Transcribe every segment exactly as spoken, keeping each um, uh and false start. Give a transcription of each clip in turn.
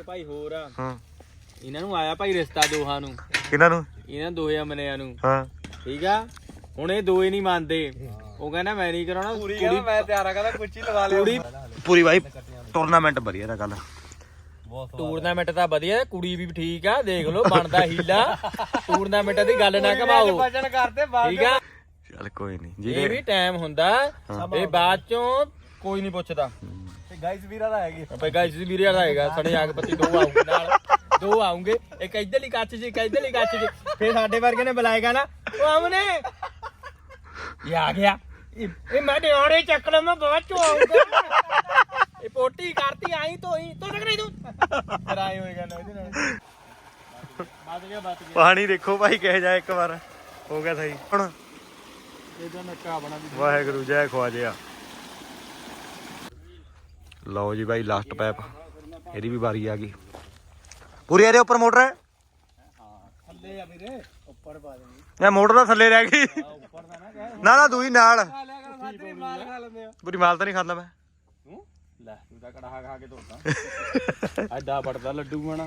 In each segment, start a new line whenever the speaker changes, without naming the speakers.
ਭਾਈ ਹੋਰ ਆ
ਹਾਂ
ਇਹਨਾਂ ਨੂੰ ਆਇਆ ਭਾਈ ਰਿਸ਼ਤਾ ਦੋਹਾਂ ਨੂੰ
ਕਿਹਨਾਂ ਨੂੰ
ਇਹਨਾਂ ਦੋਹੇ ਅਮਨਿਆਂ ਨੂੰ
ਹਾਂ
ਠੀਕ ਆ ਹੁਣ ਇਹ ਦੋਏ ਨਹੀਂ ਮੰਨਦੇ ਉਹ ਕਹਿੰਦਾ ਮੈਂ ਨਹੀਂ ਕਰਾਉਣਾ
ਪੂਰੀ ਕਹਿੰਦਾ ਮੈਂ ਤਿਆਰ ਆ ਕਹਿੰਦਾ ਕੁੱਚੀ ਲਵਾ ਲਿਆ
ਕੁੜੀ
ਪੂਰੀ ਬਾਈ ਟੂਰਨਾਮੈਂਟ ਵਧੀਆ ਦਾ ਗੱਲ
ਟੂਰਨਾਮੈਂਟ ਤਾਂ ਵਧੀਆ ਕੁੜੀ ਵੀ ਠੀਕ ਆ ਦੇਖ ਲਓ ਬਣਦਾ ਹੀਲਾ ਟੂਰਨਾਮੈਂਟ ਦੀ ਗੱਲ ਨਾ ਘਮਾਓ
ਵਜਨ ਕਰਦੇ ਬਾਅਦ
ਠੀਕ ਆ
ਚੱਲ ਕੋਈ ਨਹੀਂ
ਇਹ
ਜੀ
ਵੀ ਟਾਈਮ ਹੁੰਦਾ ਇਹ ਬਾਅਦ ਚੋਂ ਕੋਈ ਨਹੀਂ ਪੁੱਛਦਾ
ਤੇ ਗਾਈਸ ਵੀਰਾ ਦਾ ਹੈਗੀ
ਭਾਈ ਗਾਇਸ ਜੀ ਵੀਰੇ ਆਏਗਾ ਸਣੇ ਆਗਪਤੀ ਦੋ ਆਉਂਗੇ ਨਾਲ ਦੋ ਆਉਂਗੇ ਇੱਕ ਇੱਧਰਲੀ ਕੱਚ 'ਚ ਇੱਕ ਇੱਧਰਲੀ ਕੱਚ 'ਚ ਫੇਰ ਸਾਡੇ ਵਰਗੇ ਨੇ ਬੁਲਾਏਗਾ ਨਾ ਉਹ ਆਮਨੇ ਇਹ ਆ ਗਿਆ ਇਹ ਇਹ ਮੈਂ ਡਿਓੜੇ ਚੱਕ ਲਾਂ ਮੈਂ ਬਾਅਦ ਚੋਂ ਆਉਂਗਾ ਇਹ ਪੋਟੀ ਕਰਤੀ ਆਈ ਤੋਈ ਤੂੰ ਟਕ ਨਹੀਂ ਤੂੰ ਫਿਰ ਆਏ ਹੋਏਗਾ ਨਾ ਇਹਦੇ ਨਾਲ ਬਚ ਗਿਆ ਬਚ ਗਿਆ
ਪਾਣੀ ਦੇਖੋ ਭਾਈ ਕਹਿ ਜਾ ਇੱਕ ਵਾਰ ਹੋ ਗਿਆ ਸਹੀ ਹੁਣ
ਇਹਦਾ ਨੱਕਾ ਬਣਾ ਦੀ
ਵਾਹਿਗੁਰੂ ਜੈ ਖਵਾਜਿਆ ਲਓ ਜੀ ਭਾਈ ਲਾਸਟ ਪੈਪ ਇਹਦੀ ਵੀ ਵਾਰੀ ਆ ਗਈ ਪੂਰੀ ਇਹਦੇ ਉੱਪਰ ਮੋਟਰ ਹੈ
ਥੱਲੇ ਆ ਵੀਰੇ ਉੱਪਰ ਪਾ ਦੇਣੀ
ਇਹ ਮੋਟਰ ਤਾਂ ਥੱਲੇ ਰਹਿ ਗਈ
ਉੱਪਰ ਦਾ ਨਾ ਕਹਿ
ਨਾ ਨਾ ਦੂਈ ਨਾਲ
ਮਾਲ ਖਾ ਲੈਂਦੇ ਆ
ਪੂਰੀ ਮਾਲ ਤਾਂ ਨਹੀਂ ਖਾਂਦਾ ਮੈਂ
ਤੂੰ ਲੈ ਤੂੰ ਤਾਂ ਕੜਾਹਾ ਖਾ ਕੇ ਧੋਤਾ ਐਡਾ ਵੱਡਾ ਲੱਡੂ ਬਣਾ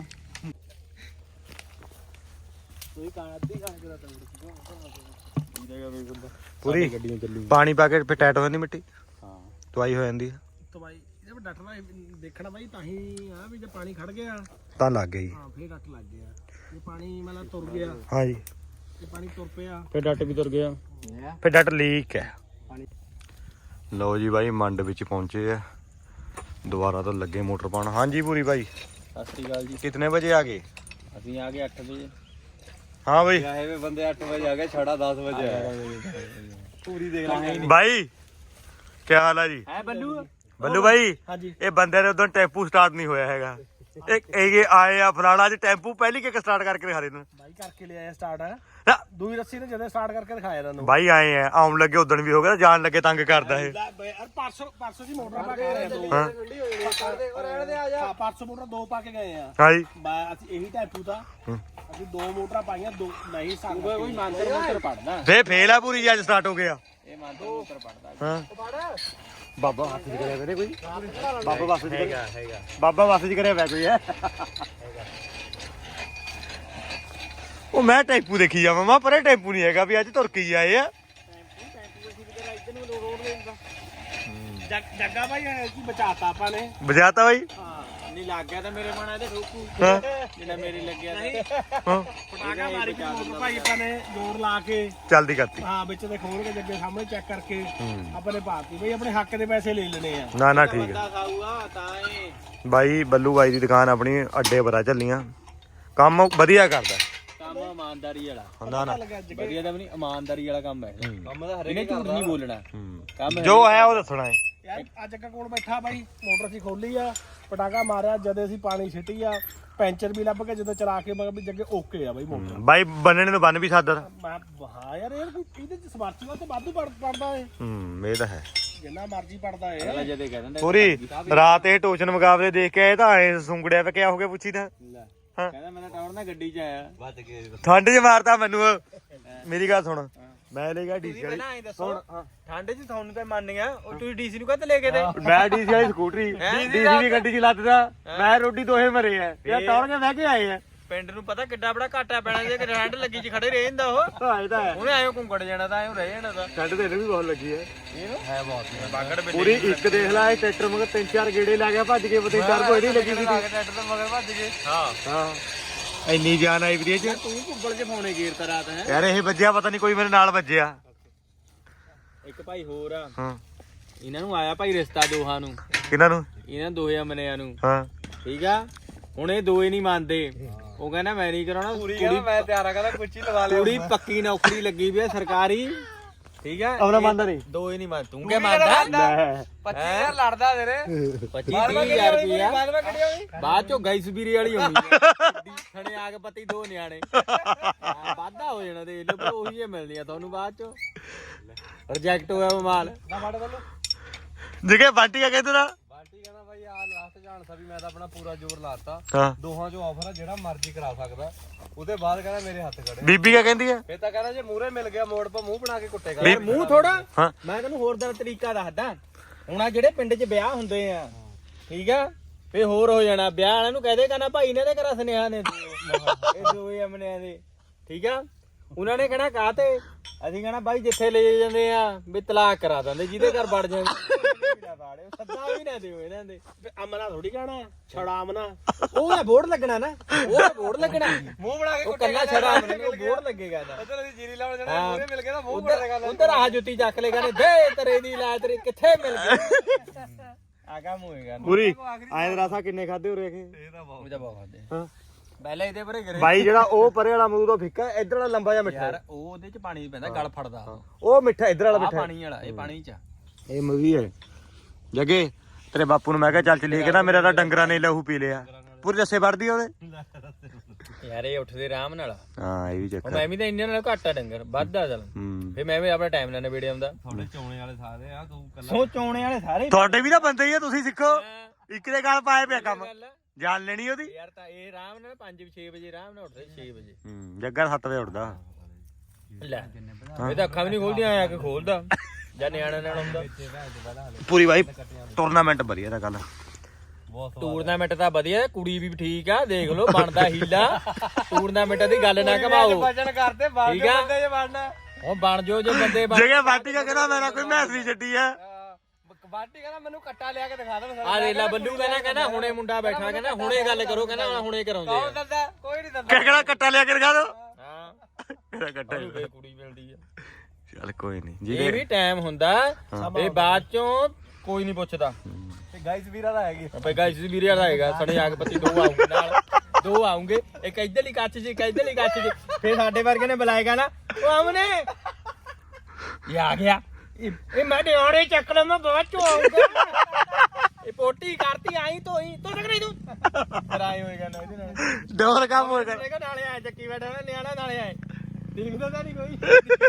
ਕੋਈ ਕਾਣ ਅੱਧੀ ਖਾਣ ਕੇ ਤਾਂ
ਪੂਰੀ
ਗੱਡੀਆਂ ਚੱਲੂ
ਪਾਣੀ ਪਾ ਕੇ ਫਿਰ ਟਾਈਟ ਹੋ ਜਾਂਦੀ ਮਿੱਟੀ
ਹਾਂ
ਤਵਾਈ ਹੋ ਜਾਂਦੀ ਹੈ
ਤਾਂ ਬਾਈ ਇਹਦੇ ਪਰ ਡੱਟਣਾ ਦੇਖਣਾ ਬਾਈ ਤਾਂ ਹੀ ਆ ਵੀ ਜੇ ਪਾਣੀ ਖੜ ਗਿਆ
ਤਾਂ ਲੱਗ ਗਈ
ਹਾਂ ਫੇਰ ਡੱਟ ਲੱਗ ਗਿਆ ਜੇ ਪਾਣੀ ਮਤਲਬ ਤੁਰ ਗਿਆ
ਹਾਂ ਜੀ
ਜੇ ਪਾਣੀ ਤੁਰ ਪਿਆ
ਫਿਰ ਡੱਟ ਵੀ ਤੁਰ ਗਿਆ
ਫਿਰ ਡਟ ਲੀਕ ਹੈ ਲਓ ਜੀ ਬਾਈ ਮੰਡ ਵਿੱਚ ਪਹੁੰਚੇ ਆ ਦੁਬਾਰਾ ਤੋਂ ਲੱਗੇ ਮੋਟਰ ਪਾਉਣ ਹਾਂਜੀ ਪੂਰੀ ਬਾਈ
ਸਤਿ ਸ੍ਰੀ ਅਕਾਲ ਜੀ
ਕਿਤਨੇ ਵਜੇ ਆ ਗਏ
ਅਸੀਂ ਆ ਗਏ ਅੱਠ ਵਜੇ
ਹਾਂ ਬਾਈ
ਆਏ ਵੇ ਬੰਦੇ ਅੱਠ ਵਜੇ ਆ ਗਏ ਛੜਾ ਦਸ ਵਜੇ ਆਇਆ ਪੂਰੀ ਦੇਖ ਲੈ
ਬਾਈ ਕੀ ਹਾਲ ਹੈ ਜੀ
ਹੈ ਬੱਲੂ
ਬੱਲੂ ਬਾਈ
ਹਾਂਜੀ
ਇਹ ਬੰਦੇ ਨੇ ਉਦੋਂ ਟੈਂਪੂ ਸਟਾਰਟ ਨਹੀਂ ਹੋਇਆ ਹੈਗਾ ਇੱਕ ਇਹ ਆਏ ਆ ਫਲਾਣਾ ਜੀ ਟੈਂਪੂ ਪਹਿਲੀ ਕਿੱਕ ਸਟਾਰਟ ਕਰਕੇ ਦਿਖਾ ਦੇ ਨੂੰ
ਬਾਈ ਕਰਕੇ ਲਿਆਇਆ ਸਟਾਰਟ ਹੈ
ਨਾ
ਦੂਈ ਰੱਸੀ ਨੇ ਜਦੋਂ ਸਟਾਰਟ ਕਰਕੇ ਦਿਖਾਇਆ ਇਹਨਾਂ ਨੂੰ
ਬਾਈ ਆਏ ਆ ਆਉਣ ਲੱਗੇ ਉਦੋਂ ਵੀ ਹੋ ਗਿਆ ਜਾਣ ਲੱਗੇ ਤੰਗ ਕਰਦਾ ਇਹ
ਯਾਰ ਪਰਸੋਂ ਪਰਸੋਂ ਦੀ ਮੋਟਰ ਪਾ ਕੇ ਆਏ ਦੋ
ਹਾਂ
ਰਹਿਣ ਦੇ ਆ ਜਾ ਪਰਸੋਂ ਮੋਟਰ ਦੋ ਪਾ ਕੇ ਗਏ ਆ
ਹਾਂ ਜੀ
ਬਾ- ਅਸੀਂ ਇਹੀ ਟੈਂਪੂ ਦਾ ਅਸੀਂ ਦੋ ਮੋਟਰਾਂ ਪਾਈਆਂ ਦੋ ਨਹੀਂ ਸੰਗ
ਕੋਈ ਮੰਤਰ ਮੰਤਰ ਪੜਦਾ
ਫੇ ਫੇਲ ਆ ਪੂਰੀ ਜੀ ਅੱਜ ਸਟਾਰਟ ਹੋ ਗਿਆ
ਇਹ ਮੰਤਰ ਮੰਤਰ ਪੜਦਾ
ਹਾਂ ਬਾਬਾ ਹੱਥ ਚ ਕਰਿਆ ਵੇ ਕੋਈ ਬਾਬਾ ਬੱਸ ਚ ਹੈਗਾ ਹੈਗਾ ਬਾਬਾ ਬੱਸ ਚ ਕਰਿਆ ਵੇ ਕੋਈ ਹੈ ਉਹ ਮੈਂ ਟੈਂਪੂ ਦੇਖੀ ਜਾਵਾਂ ਮਾ ਪਰੇ ਟੈਂਪੂ ਨਹੀਂ ਹੈਗਾ ਵੀ ਅੱਜ ਤੁਰ ਕੇ ਹੀ ਆਏ ਆ
ਜੱਗਾ ਭਾਈ ਕੀ ਬਚਾਤਾ ਆਪਾਂ ਨੇ
ਬਜਾਤਾ ਬਾਈ
ਹਾਂ
ਨਹੀਂ ਲੱਗ ਗਿਆ ਤਾਂ ਮੇਰੇ ਮਨ ਇਹਦੇ ਠੋਕੂ
ਹਾਂ
ਜਿਹੜਾ ਮੇਰੇ ਲੱਗਿਆ
ਹਾਂ
ਪਟਾਕਾ ਮਾਰੀ ਕੇ ਮੋਟਰ ਭਾਈ ਆਪਾਂ ਨੇ ਜ਼ੋਰ ਲਾ ਕੇ
ਜਲਦੀ ਕਰਤੀ
ਹਾਂ ਵਿੱਚ ਦੇ ਖੋਲ ਕੇ ਜੱਗੇ ਸਾਹਮਣੇ ਚੈੱਕ ਕਰਕੇ ਆਪਾਂ ਨੇ ਪਾਤੀ ਬਈ ਆਪਣੇ ਹੱਕ ਦੇ ਪੈਸੇ ਲੈ ਲੈਣੇ ਆ
ਨਾ ਨਾ ਠੀਕ ਹੈ
ਬੰਦਾ ਖਾਊਗਾ ਤਾਂ ਇਹ
ਬਾਈ ਬੱਲੂ ਬਾਈ ਦੀ ਦੁਕਾਨ ਆਪਣੀ ਅੱਡੇ ਪਰਾ ਚੱਲੀਆਂ ਕੰਮ ਵਧੀਆ ਕਰਦਾ
ਕੰਮ ਇਮਾਨਦਾਰੀ ਵਾਲਾ
ਨਾ ਨਾ
ਵਧੀਆ ਤਾਂ ਵੀ ਨਹੀਂ ਇਮਾਨਦਾਰੀ ਵਾਲਾ ਕੰਮ ਹੈ
ਕੰਮ ਦਾ
ਇਹਨੇ ਝੂਠ ਨਹੀਂ ਬੋਲਣਾ ਕੰਮ
ਜੋ ਹੈ ਉਹ ਦੱਸਣਾ ਹੈ
ਯਾਰ ਅੱਜ ਜੱਗਾ ਕੋਲ ਬੈਠਾ ਬਾਈ ਮੋਟਰ ਸੀ ਖੋਲੀ ਆ ਪਟਾਕਾ ਮਾਰਿਆ ਜਦੇ ਅਸੀਂ ਪਾਣੀ ਛਿੱਟੀ ਆ ਪੈਂਚਰ ਵੀ ਲੱਭ ਕੇ ਜਦੋਂ ਚਲਾ ਕੇ ਮਗਰ ਵੀ ਜੱਗੇ ਓਕੇ ਆ ਬਾਈ ਮੋਟਰ
ਬਾਈ ਬੰਨਣੇ ਨੂੰ ਬੰਨ ਵੀ ਸਕਦਾ
ਮੈਂ ਹਾਂ ਯਾਰ ਇਹ ਇਹਦੇ ਚ ਸਮਰਥੀ ਤੇ ਵਾਧੂ ਪੜ ਪੜਦਾ ਏ
ਹੂੰ ਇਹ ਤਾਂ ਹੈ
ਜਿੰਨਾ ਮਰਜ਼ੀ ਪੜਦਾ ਏ
ਅਗਲਾ ਜਦੇ ਕਹਿ ਦਿੰਦਾ
ਪੂਰੀ ਰਾਤ ਇਹ ਟੋਚਨ ਮੁਕਾਬਲੇ ਦੇਖ ਕੇ ਆਏ ਤਾਂ ਐ ਸੁੰਗੜਿਆ ਵੇ ਕਿਆ ਹੋ ਗਿਆ ਪੁੱਛੀ ਤਾਂ ਹਾਂ
ਕਹਿੰਦਾ ਮੈਂ ਤਾਂ ਟਾਵਰ ਨਾਲ ਗੱਡੀ 'ਚ ਆਇਆ
ਵੱਧ ਗਏ
ਠੰਡ 'ਚ ਮਾਰਤਾ ਮੈਨੂੰ ਮੇਰੀ ਗੱਲ ਸੁਣ ਮੈਂ ਲੈ ਗਿਆ ਡੀਸੀ ਵਾਲੀ
ਪਹਿਲਾਂ ਐਂ ਦੱਸੋ ਠੰਡ 'ਚ ਤੁਹਾਨੂੰ ਤਾਂ ਮੰਨ ਗਿਆ ਉਹ ਤੁਸੀਂ ਡੀਸੀ ਨੂੰ ਕਾਹਤੇ ਲੈ ਕੇ ਦੇ
ਮੈਂ ਡੀਸੀ ਵਾਲੀ ਸਕੂਟਰੀ ਡੀਸੀ ਦੀ ਗੱਡੀ 'ਚ ਲੱਦਦਾ ਮੈਂ ਰੋਟੀ ਦੋਹੇ ਮਰੇ ਆ ਇਹ ਤੌੜ ਕੇ ਬਹਿ ਕੇ ਆਏ ਆ
ਪਿੰਡ ਨੂੰ ਪਤਾ ਕਿੱਡਾ ਬੜਾ ਘਾਟਾ ਪੈਣਾ ਜੇ ਕਿ ਠੰਡ ਲੱਗੀ 'ਚ ਖੜੇ ਰਹਿ ਜਾਂਦਾ ਉਹ
ਹਾਂ ਇਹ ਤਾਂ ਹੈ
ਉਹਨੇ ਐਂ ਘੁੰਗੜ ਜਾਣਾ ਤਾਂ ਐਂ ਰਹਿ ਜਾਣਾ ਤਾਂ
ਠੰਡ ਤੇ ਇਹਨੂੰ ਵੀ ਬਹੁਤ ਲੱਗੀ ਹੈ
ਇਹਨੂੰ ਹੈ ਬਹੁਤ ਬਾਗੜ ਬਿੱਲੀ
ਪੂਰੀ ਇੱਕ ਦੇਖ ਲੈ ਇਹ ਟਰੈਕਟਰ ਮਗਰ ਤਿੰਨ ਚਾਰ ਗੇੜੇ ਲਾ ਗਿਆ ਭੱਜ ਕੇ ਪਤਾ ਚਾਰ ਕੋਈ ਨਹੀਂ ਲੱਗੀ ਸੀ
ਟਰੈਕਟਰ ਤੋਂ ਮਗਰ ਭੱਜ ਗਏ ਹਾਂ
ਹਾਂ ਇੰਨੀ ਜਾਨ ਆਈ ਵੀਰੇ ਚ
ਤੂੰ ਘੁੰਗਲ 'ਚ ਫੋਨੇ ਗੇਰਤਾ ਰਾਤ ਹੈ
ਯਾਰ ਇਹ ਵੱਜਿਆ ਪਤਾ ਨਹੀਂ ਕੋਈ ਮੇਰੇ ਨਾਲ ਵੱਜਿਆ
ਇੱਕ ਭਾਈ ਹੋਰ ਆ
ਹਾਂ
ਇਹਨਾਂ ਨੂੰ ਆਇਆ ਭਾਈ ਰਿਸ਼ਤਾ ਦੋਹਾਂ ਨੂੰ
ਕਿਹਨਾਂ ਨੂੰ
ਇਹਨਾਂ ਦੋਹੇ ਅਮਨਿਆਂ ਨੂੰ
ਹਾਂ
ਠੀਕ ਆ ਹੁਣ ਇਹ ਦੋਏ ਨਹੀਂ ਮੰਨਦੇ ਉਹ ਕਹਿੰਦਾ ਮੈਂ ਨਹੀਂ ਕਰਾਉਣਾ
ਪੂਰੀ ਕਹਿੰਦਾ ਮੈਂ ਤਿਆਰ ਆ ਕਹਿੰਦਾ ਕੁੱਚੀ ਲਵਾ ਲਿਆ
ਕੁੜੀ ਪੱਕੀ ਨੌਕਰੀ ਲੱਗੀ ਵੀ ਆ ਸਰਕਾਰੀ ਠੀਕ ਆ
ਆਪਣਾ ਮੰਨਦਾ ਨਹੀਂ
ਦੋਏ ਨਹੀਂ ਮੰਨ ਤੂੰ ਕਿਆ ਮੰਨਦਾ
ਪੱਚੀ ਹਜ਼ਾਰ ਲੜਦਾ ਤੇਰੇ
ਪੱਚੀ ਹਜ਼ਾਰ ਰੁਪਇਆ
ਬਾਅਦ ਵਿੱਚ ਕਿਹੜੀ ਹੋਈ
ਬਾਅਦ ਚੋਂ ਗੈਸ ਵੀਰੀ ਵਾਲੀ ਹੋਣੀ ਆ ਥਣੇ ਆ ਕੇ ਪਤੀ ਦੋ ਨਿਆਣੇ ਵਾਧਾ ਹੋ ਜਾਣਾ ਦੇਖ ਲਓ ਪਰ ਉਹੀ ਹੀ ਮਿਲਣੀ ਆ ਤੁਹਾਨੂੰ ਬਾਅਦ ਚੋਂ ਰਿਜੈਕਟ ਹੋਇਆ ਮਾਲ
ਨਾ ਫੜ ਵੱਲੋਂ
ਜਿਗੇ ਬਾਂਟੀ ਆ ਕਹਿੰਦੇ ਨਾ
ਬਾਂਟੀ ਕਹਿੰਦਾ ਬਾਈ ਆ ਲਾਸਟ ਜਾਣ ਸਾ ਵੀ ਮੈਂ ਤਾਂ ਆਪਣਾ ਪੂਰਾ ਜ਼ੋਰ ਲਾਤਾ
ਹਾਂ
ਦੋਹਾਂ ਚੋਂ ਆਫਰ ਆ ਜਿਹੜਾ ਮਰਜ਼ੀ ਕਰਾ ਸਕਦਾ ਉਹਦੇ ਬਾਅਦ ਕਹਿੰਦਾ ਮੇਰੇ ਹੱਥ ਖੜੇ
ਬੀਬੀ ਕਿਆ ਕਹਿੰਦੀ ਆ
ਫੇਰ ਤਾਂ ਕਹਿੰਦਾ ਜੇ ਮੂਹਰੇ ਮਿਲ ਗਿਆ ਮੋੜ ਪਾ ਮੂੰਹ ਬਣਾ ਕੇ ਕੁੱਟੇਗਾ
ਯਾਰ ਮੂੰਹ ਥੋੜਾ
ਹਾਂ
ਮੈਂ ਤੈਨੂੰ ਹੋਰ ਦਾ ਤਰੀਕਾ ਦੱਸਦਾ ਹੁਣ ਆ ਜਿਹੜੇ ਪਿੰਡ 'ਚ ਵਿਆਹ ਹੁੰਦੇ ਆ ਠੀਕ ਆ ਫੇ ਹੋਰ ਹੋ ਜਾਣਾ ਵਿਆਹ ਵਾਲਿਆਂ ਨੂੰ ਕਹਦੇ ਕਹਿੰਦਾ ਭਾਈ ਨੇ ਤੇ ਕਰਾ ਸੁਨੇਹਾ ਨੇ ਇਹ ਦੋਵੇਂ ਅਮਨਿਆਂ ਦੇ ਠੀਕ ਆ ਉਹਨਾਂ ਨੇ ਕਹਿਣਾ ਕਾਹ ਤੇ ਅਸੀਂ ਕਹਿਣਾ ਬਾਈ ਜਿੱਥੇ ਲੈ ਜਾਂਦੇ ਆ ਵੀ ਤਲਾਕ ਕਰਾ ਦਿੰਦੇ ਜਿਹਦੇ ਘਰ ਵੜ ਜਾਂਦੇ ਸੱਦਾ ਵੀ ਨਾ ਦਿਓ ਇਹਨਾਂ ਦੇ
ਅਮਨਾ ਥੋੜੀ ਕਹਿਣਾ ਛੜਾ ਅਮਨਾ
ਉਹ ਬੋਰਡ ਲੱਗਣਾ ਨਾ ਉਹ ਬੋਰਡ ਲੱਗਣਾ ਮੂੰਹ ਬਣਾ ਕੇ ਕੱਲਾ ਛੜਾ ਅਮਨੇ ਉਹ ਬੋਰਡ ਲੱਗੇਗਾ ਨਾ
ਉਧਰ ਅਸੀਂ ਜੀਰੀ ਲਾਉਣ ਜਾਣਾ ਮੂਹਰੇ ਮਿਲ ਕੇ ਨਾ ਮੂੰਹ ਬਣਾ
ਉਧਰ ਉਧਰ ਆ ਜੁੱਤੀ ਚੱਕ ਲੈ ਕਹਿੰਦੇ ਦੇ ਤੇਰੇ ਦੀ ਲਾ ਤੇਰੀ ਕਿੱਥੇ ਮਿਲ ਗਈ ਆ ਕੰਮ ਹੋਏਗਾ
ਪੂਰੀ ਆਏ ਰਾਸਾ ਕਿੰਨੇ ਖਾਦੇ ਹੋ ਰਹੇ
ਇਹ ਤਾਂ ਬਹੁਤ
ਮੁਝਾ ਬਹੁਤ ਖਾਦੇ
ਹਾਂ
ਪਹਿਲਾਂ ਇਹਦੇ ਪਰੇ ਗਰੇ
ਬਾਈ ਜਿਹੜਾ ਉਹ ਪਰੇ ਵਾਲਾ ਅਮਰੂਦ ਉਹ ਫਿੱਕਾ ਇਧਰ ਵਾਲਾ ਲੰਬਾ ਜਿਹਾ ਮਿੱਠਾ
ਯਾਰ ਉਹ ਉਹਦੇ ਚ ਪਾਣੀ ਪੈਂਦਾ ਗਲ ਫੜਦਾ
ਉਹ ਮਿੱਠਾ ਇਧਰ ਵਾਲਾ
ਆ
ਮਿੱਠਾ
ਪਾਣੀ ਵਾਲਾ ਇਹ ਪਾਣੀ ਚ
ਇਹ ਮੂਵੀ ਹੈ ਜੱਗੇ ਤੇਰੇ ਬਾਪੂ ਨੂੰ ਮੈਂ ਕਿਹਾ ਚੱਲ ਚਲੀਏ ਕਹਿੰਦਾ ਮੇਰਾ ਤਾਂ ਡੰਗਰਾਂ ਨੇ ਲਹੂ ਪੀ ਲਿਆ ਪੂਰੀ ਰੱਸੇ ਵੜਦੀ ਉਹਦੇ
ਯਾਰ ਇਹ ਉੱਠਦੇ ਆਰਾਮ ਨਾਲ
ਹਾਂ ਇਹ ਵੀ ਚੱਕਰ
ਮੈਂ ਵੀ ਤਾਂ ਇੰਨੇ ਨਾਲ ਘੱਟ ਆ ਡੰਗਰ ਵੱਧਦਾ ਚੱਲ
ਹੂੰ
ਫੇ ਮੈਂ ਵੀ ਆਪਣਾ ਟਾਈਮ ਨਾਲ ਨਵੇੜੇ ਆਉਂਦਾ
ਥੋੜੇ ਚੋਣੇ ਵਾਲੇ ਸਾਰੇ ਆ ਤੂੰ ਕੱਲਾ
ਸੋ ਚੋਣੇ ਵਾਲੇ ਸਾਰੇ
ਤੁਹਾਡੇ ਵੀ ਨਾ ਬੰਦੇ ਹੀ ਆ ਤੁਸੀਂ ਸਿੱਖੋ ਇੱਕ ਦੇ ਗੱਲ ਪਾਏ ਪਿਆ ਕੰਮ
ਗੱਲ ਆ।
ਜਾਣ ਲੈਣੀ ਉਹਦੀ
ਯਾਰ ਤਾਂ ਇਹ ਆਰਾਮ ਨਾਲ ਪੰਜ ਛੇ ਵਜੇ ਆਰਾਮ ਨਾਲ ਉੱਠਦੇ ਛੇ ਵਜੇ
ਹੂੰ ਜੱਗਾ ਸੱਤ ਵਜੇ ਉੱਠਦਾ
ਲੈ ਇਹ ਤਾਂ ਅੱਖਾਂ ਵੀ ਨਹੀਂ ਖੋਲਦੀਆਂ ਆ ਕੇ ਖੋਲਦਾ ਜਾਂ ਨਿਆਣਾ ਨਾਲ ਆਉਂਦਾ
ਪੂਰੀ ਬਾਈ ਟੂਰਨਾਮੈਂਟ ਵਧੀਆ ਦਾ ਗੱਲ
ਟੂਰਨਾਮੈਂਟ ਤਾਂ ਵਧੀਆ ਕੁੜੀ ਵੀ ਠੀਕ ਆ ਦੇਖ ਲਓ ਬਣਦਾ ਹੀਲਾ ਟੂਰਨਾਮੈਂਟ ਦੀ ਗੱਲ ਨਾ ਘਮਾਓ
ਵਜਨ ਕਰਦੇ ਬਾਹਰ
ਠੀਕ ਆ?
ਬੰਦੇ ਜੇ ਵੜਨਾ
ਉਹ ਬਣ ਜਾਓ ਜੇ ਬੰਦੇ ਬਣ
ਜਗੇ ਬਾਟੀ ਕਾ ਕਹਿੰਦਾ ਮੇਰਾ ਕੋਈ ਮੈਸ ਨਹੀਂ ਛੱਡੀ ਆ
ਬਾਟੀ ਕਹਿੰਦਾ ਮੈਨੂੰ ਕੱਟਾ ਲਿਆ ਕੇ ਦਿਖਾ ਦੇ
ਆ ਰੇਲਾ ਬੱਲੂ ਕਹਿੰਦਾ ਕਹਿੰਦਾ ਹੁਣੇ ਮੁੰਡਾ ਬੈਠਾ ਕਹਿੰਦਾ ਹੁਣੇ ਗੱਲ ਕਰੋ ਕਹਿੰਦਾ ਹੁਣੇ ਕਰਾਉਂਦੇ
ਕੌਣ
ਆ
ਦਿੰਦਾ ਕੋਈ ਨਹੀਂ ਦਿੰਦਾ
ਕਿਹੜਾ ਕੱਟਾ ਲਿਆ ਕੇ ਦਿਖਾ ਦੋ
ਹਾਂ
ਕਿਹੜਾ ਕੱਟਾ
ਉਹਨੂੰ ਫੇਰ ਕੁੜੀ ਮਿਲਦੀ ਆ
ਚੱਲ ਕੋਈ ਨਹੀਂ
ਇਹ
ਜੀ
ਵੀ ਟਾਈਮ ਹੁੰਦਾ ਇਹ ਬਾਅਦ ਚੋਂ ਕੋਈ ਨਹੀਂ ਪੁੱਛਦਾ
ਤੇ ਗਾਈਸ ਵੀਰਾ ਦਾ ਹੈਗੀ
ਆਪੇ ਗਾਇਸ ਵੀਰੇ ਵਾਲਾ ਹੈਗਾ ਸਣੇ ਆਗਪਤੀ ਦੋ ਆਉਂਗੇ ਨਾਲ ਦੋ ਆਉਂਗੇ ਇੱਕ ਇੱਧਰਲੀ ਕੱਚ 'ਚ ਇੱਕ ਇੱਧਰਲੀ ਕੱਚ 'ਚ ਫੇਰ ਸਾਡੇ ਵਰਗੇ ਨੇ ਬੁਲਾਏਗਾ ਨਾ ਉਹ ਅਮਨੇ ਇਹ ਆ ਗਿਆ ਇਹ ਇਹ ਮੈਂ ਡਿਓੜੇ ਚੱਕ ਲਾਂ ਮੈਂ ਬਾਅਦ ਚੋਂ ਆਉਂਗਾ ਇਹ ਪੋਟੀ ਕਰਤੀ ਆਈ ਤੋਈ ਤੂੰ ਤੱਕ ਨਹੀਂ ਤੂੰ ਕਰਾਏ ਹੋਏਗਾ ਨਾ ਇਹਦੇ ਨਾਲ
ਡੋਰ ਕੰਮ ਹੋਏਗਾ
ਦੇਖੋ ਨਾਲੇ ਆਏ ਚੱਕੀ ਬੈਠਾ ਨਾ ਨਿਆਣਾ ਨਾਲੇ ਆਏ ਦੇਖਦਾ ਤਾਂ ਨਹੀਂ ਕੋਈ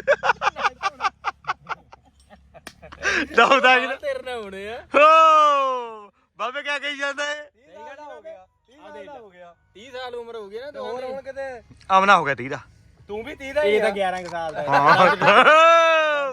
ਦੌੜਦਾ ਕਿ
ਤੇਰੇ ਨਾਲ ਹੋਣੇ ਆ
ਹੋ ਬਾਬੇ ਕਿਆ ਕਹੀ ਜਾਂਦਾ ਹੈ
ਹੋ ਗਿਆ ਤੀਹ ਸਾਲ ਹੋ ਗਿਆ
ਤੀਹ ਸਾਲ ਉਮਰ ਹੋ ਗਈ ਨਾ
ਤੇ ਹੋਰ
ਦੋਵਾਂ
ਹੁਣ
ਦੀ
ਕਿਤੇ
ਆਮਨਾ ਹੋ ਗਿਆ ਤੀਹ ਦਾ
ਤੂੰ ਵੀ ਤੀਹ ਦਾ ਹੀ
ਇਹ ਤਾਂ
ਆ
ਗਿਆਰਾਂ ਕੁ ਸਾਲ ਦਾ
ਹਾਂ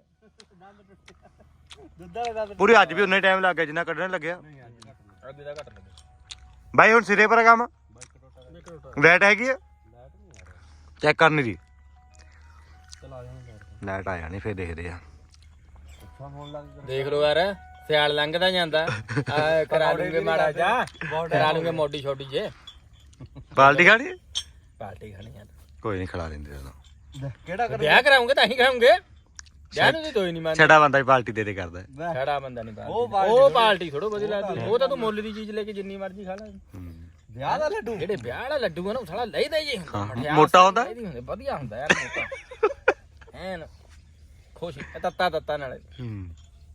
ਦੁੱਧਾ ਦਾ ਦੁੱਧ
ਪੂਰੀ ਅੱਜ ਵੀ ਉਨੇ ਟਾਈਮ ਲੱਗ ਗਿਆ ਜਿੰਨਾ ਕੱਢਣ ਲੱਗਿਆ
ਅੱਗੇ ਦਾ ਘੱਟ ਲੱਗੇ
ਬਾਈ ਹੁਣ ਸਿਰੇ ਪਰ ਕੰਮ ਲਾਈਟ ਹੈਗੀ ਆ ਚੈੱਕ ਕਰਨੀ ਦੀ
ਚਲਾ ਜਾਣਾ
ਲਾਈਟ ਆ ਜਾਣੀ ਫੇਰ ਦੇਖਦੇ ਆ
ਅੱਛਾ ਹੋਣ ਲੱਗ ਗਿਆ
ਦੇਖ ਲੋ ਯਾਰ ਸਿਆਲ ਲੰਘਦਾ ਜਾਂਦਾ ਆ ਕਰਾ ਲੂੰਗੇ ਮਾੜਾ ਜਾ ਕਰਾ ਲੂੰਗੇ ਮੋਟੀ ਛੋਟੀ ਜੇ
ਬਾਲਟੀ ਖਾਣੀ
ਪਾਰਟੀ ਖਾਣੀ ਆ
ਕੋਈ ਨਹੀਂ ਖਿਲਾ ਦਿੰਦੇ ਉਹਨੂੰ
ਕਿਹੜਾ ਕਰ
ਵਿਆਹ ਕਰਾਉਂਗੇ ਤਾਂ ਹੀ ਖਾਉਂਗੇ ਵਿਆਹ ਨੂੰ ਕੋਈ ਨਹੀਂ ਮੰਨਦਾ
ਛੜਾ ਬੰਦਾ ਹੀ ਪਾਲਟੀ ਦੇ ਦੇ ਕਰਦਾ
ਛੜਾ ਬੰਦਾ ਨਹੀਂ
ਉਹ
ਪਾਲਟੀ ਉਹ ਪਾਲਟੀ ਥੋੜੋ ਵਧੀਆ ਲੱਗਦੀ ਉਹ ਤਾਂ ਤੂੰ ਮੁੱਲ ਦੀ ਚੀਜ਼ ਲੈ ਕੇ ਜਿੰਨੀ ਮਰਜ਼ੀ ਖਾ ਲੈ
ਹੂੰ।
ਵਿਆਹ ਦਾ ਲੱਡੂ
ਜਿਹੜੇ ਵਿਆਹ ਵਾਲਾ ਲੱਡੂ ਆ ਨਾ ਉਹ ਸਾਲਾ ਲੈਦਾ ਜੀ ਹੁੰਦਾ
ਹਾਂ,
ਮਠਿਆਸ
ਮੋਟਾ ਹੁੰਦਾ?
ਲੈਦੀ ਹੁੰਦੇ ਵਧੀਆ ਹੁੰਦਾ ਯਾਰ ਮੋਟਾ ਐਨ ਖੁਸ਼ੀ ਤੱਤਾ ਤੱਤਾ ਨਾਲੇ
ਹੂੰ